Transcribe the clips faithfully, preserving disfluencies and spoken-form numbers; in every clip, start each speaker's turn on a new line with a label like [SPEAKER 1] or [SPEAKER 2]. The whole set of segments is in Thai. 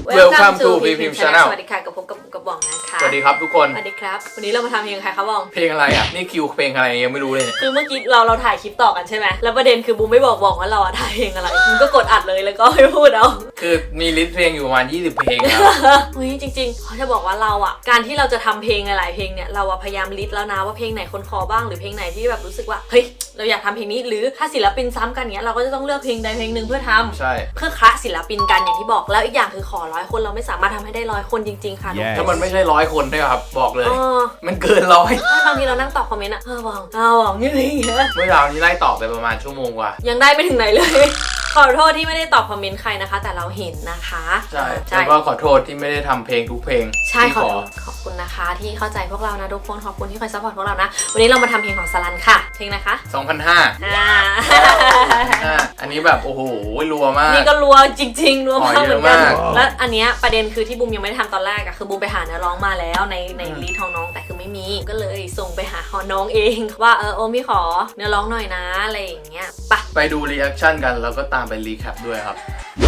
[SPEAKER 1] Welcome to พี พิมพ์ Channel
[SPEAKER 2] สวัสดีค่ะกับผมกับกับบ่องนะคะ
[SPEAKER 1] สวัสดีครับทุกคน
[SPEAKER 2] สวัสดีครับวันนี้เรามาทำเพลงใครครับบ่อง
[SPEAKER 1] เพลงอะไรอ่ะนี่คิวเพลงอะไรยังไม่รู้เลย
[SPEAKER 2] คือเมื่อกี้เราเราถ่ายคลิปต่อกันใช่ไหมแล้วประเด็นคือบูมไม่บอกบ่องว่าเราถ่ายเพลงอะไรบูมก็กดอัดเลยแล้วก็ไม่พูดเอา
[SPEAKER 1] คือมีลิสต์เพลงอยู่ประมาณยี่สิบเพลงแล้ว
[SPEAKER 2] เฮ้ยจริงๆเขาจะบอกว่าเราอ่ะการที่เราจะทำเพลงหลายเพลงเนี่ยเราพยายามลิสต์แล้วนะว่าเพลงไหนคนคอบ้างหรือเพลงไหนที่แบบรู้สึกว่าเฮ้ยเราอยากทำเพลงนี้หรือถ้าศิลปินซ้ำกันเนี้ยเราก็จะต้องเลือกเพลงใดเพลงหนึ่งเพื่อทำ
[SPEAKER 1] ใช่
[SPEAKER 2] เพื่อคะศิลปินกันอย่างที่บอกแล้วอีกอย่างคือขอร้อยคนเราไม่สามารถทำให้ได้ร้อยคนจริงๆค่ะ
[SPEAKER 1] ถ้ามันไม่ใช่ร้อยคนด้วยครับบอกเลยมันเกินร้อย
[SPEAKER 2] บางทีเรานั่งตอบคอมเมนต์อะอ้าวหวังอ้าวหวังอย่างเงี้ย
[SPEAKER 1] เมื่อเราที่ไล่ตอบไปประมาณชั่วโมงกว่า
[SPEAKER 2] ยังได้ไม่ถึงไหนเลยขอโทษที่ไม่ได้ตอบคอมเมนต์ใครนะคะแต่เราเห็นนะคะ
[SPEAKER 1] ใช่แล้วก็ขอโทษที่ไม่ได้ทำเพลงทุกเพลง
[SPEAKER 2] ใช่ขอขอบคุณนะคะที่เข้าใจพวกเรานะทุกคนขอบคุณที่คอยซัพพอร์ตพวกเรานะวันนี้เรามาทำเพลงของสลันค่ะเพลงนะคะ
[SPEAKER 1] สองพันห้าอ่าอันนี้แบบโอ้โหรัวมาก
[SPEAKER 2] นี่ก็รัวจริงๆรัวมากเหมือนกันแล้วอันเนี้ยประเด็นคือที่บูมยังไม่ได้ทำตอนแรกอะคือบูมไปหาเนื้อร้องมาแล้วในในลิสต์ของน้องแต่คือไม่มีก็เลยส่งไปหาของน้องเองว่าเออโอมี่ขอเนื้อร้องหน่อยนะอะไรอย่างเงี้ยไป
[SPEAKER 1] ไปดูรีแอคชั่นกันแล้วก็ตามไปรีแคปด้วยครับ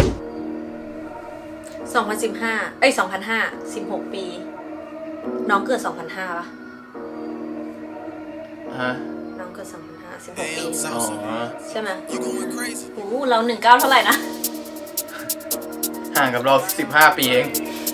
[SPEAKER 2] สองพันสิบห้าเอ้ยสองพันห้า สิบหกปีน้องเกิดสองพันห้าป่ะ
[SPEAKER 1] ฮะ
[SPEAKER 2] น้องเกิดสองพันห้า สิบหกปี
[SPEAKER 1] อ๋อ
[SPEAKER 2] ใช่ไหมโอ้โหเราหนึ่งเก้าเท่าไหร่นะ
[SPEAKER 1] ห่างกับเราสิบห้าปีเอง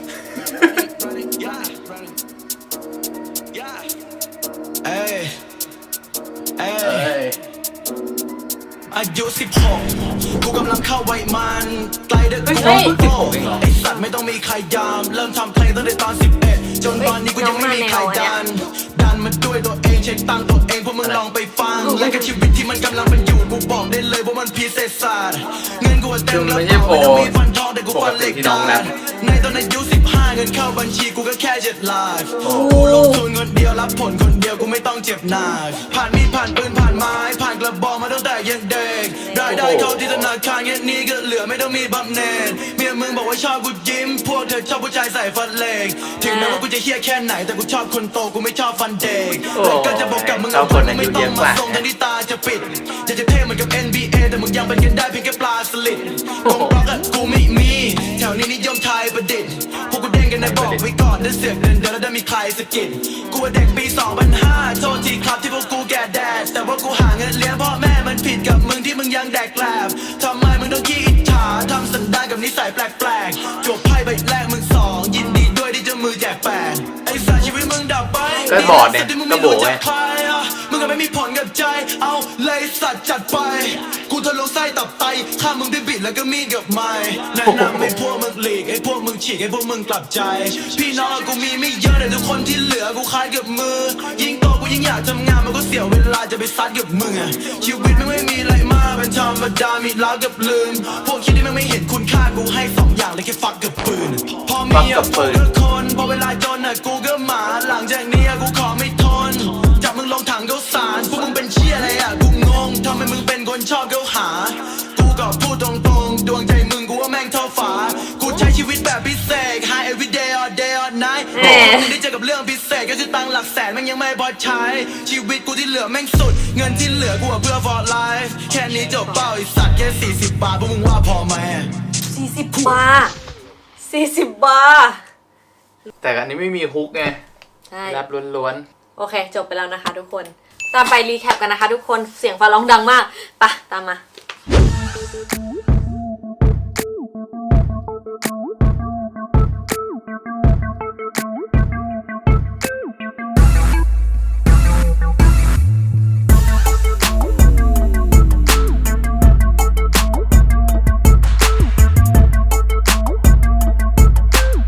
[SPEAKER 3] เอ้ยเอ้ยอายุสิบหกกูกำลังเข้าวัยมันไกลเด็กกูโตไอสัตว์ไม่ต้องมีใครยามเริ่มทำเพลงตั้งแต่ตอนสิบเอ็ดจนตอนนี้กูยังไม่มีใครดันดันมาด้วยตัวเองเช็คตังตัวเองพวกมึงลองไปฟังและกับชีวิตที่มันกำลังเป็นอยู่กูบอกได้เลยว่ามันพิเศษสัสเงินกูเต็มแล้วไม่ต้องมีฟันทองแต่กูฟันเหล็กดันในตอนอายุสิบห้าเงินเข้าบัญชีกูก็แค่เจ็ดหลักกูลงทุนคนเดียวรับผลคนเดียวกูไม่ต้องเจ็บหนักผ่านมีดผ่านปืนผ่านไม้ผ่านกระบอกมาตั้งแต่ยังเด็กได้ได้เข้าที่ธนาคารแค่นี้ก็เหลือไม่ต้องมีบำเหน็จเมียมึงบอกว่าชอบกูยิ้มพวกเธอชอบผู้ชายใส่ฟันเหล็กถึงแม้ว่ากูจะเฮี้ยแค่ไหนแต่กูชอบคนโตกูไม่ชอบฟันเด็กแต่ก็จะบอกกับมึงเอาคนไม่ต้องมาส่งทันที่ตาจะปิดจะจะเท่เหมือนกับ เอ็น บี เอ แต่มึงยังเป็นกันได้เพียงแค่ปลาสลิดกองบล็อกอะกูไม่มีแถวนี้นิยมไทยประดิษฐ์พวกกูเด้งกันในบอกไว้ก่อนได้เสือกเดินเดินแล้วได้มีใครสะกิดกูเด็กปีสองพันห้าโทษทีครับที่พวกกูแก่แดดแต่ว่ากูหาเงินเลี้ยงพ่อแม่มันผิดกับมึงที่มึงยังแดกแกลบทำไมมึงต้องขี้อิจฉาทำสันดานกับนิสัยแปลกๆจบไพ่ใบแรกมึงสองยินดีด้วยที่เจ้ามือแจกแปดไอ้สารชีวิตมึงดับไป
[SPEAKER 1] ก็บอดเนี่ยก็โบไง
[SPEAKER 3] มึงก็ไม่มีผลกับใจเอาเลยสัตว์จัดไปกูทะลุไส้ตับไตฆ่ามึงด้วยบิดแล้วก็มีดกับไม้แนะนำให้พวกมึงหลีกให้พวกมึงฉีกให้พวกมึงกลับใจพี่น้องกูมีไม่เยอะแต่ทุกคนที่เหลือกูคล้ายกับมือยิ่งโตกูยิ่งอยากทำงานมันก็เสียเวลาจะไปซัดกับมึงอะชีวิตมันไม่มีอะไรมากเป็นธรรมดามีรักกับลืมพวกคิดที่มันไม่เห็นคุณค่ากูให้สองอย่างเลยแค่ฟักกับปืนพอมีอะพวกก็คนพอเวลาจนอะกูก็หมาหลังจากนี้กูขอไม่ทนจับมึงลงถังเขาสารพวกมึงเป็นเชี่ยอะไรอะกูงงทำไมมึงเป็นคนชอบเขาหากูก็พูดตรงๆดวงใจมึงกูว่าแม่งเท่าฝากูใช้ชีวิตแบบพิเศษ high every day all day all night มึงได้เจอกับเรื่องพิเศษก็คือตังหลักแสนแม่งยังไม่พอใช้ชีวิตกูที่เหลือแม่งสุดเงินที่เหลือกูเพื่อ for life แค่นี้จบเป้าไอ้สัตว์แค่สี่สิบบาทพวกมึงว่าพอไหม
[SPEAKER 2] สี่สิบบาทสี่สิบบาท
[SPEAKER 1] แต่อันนี้ไม่มีฮุกไงแรปล้วน
[SPEAKER 2] ๆโอเคจบไปแล้วนะคะทุกคนตามไปรีแคปกันนะคะทุกคนเสียงฟ้าร้องดังมากปะตามมา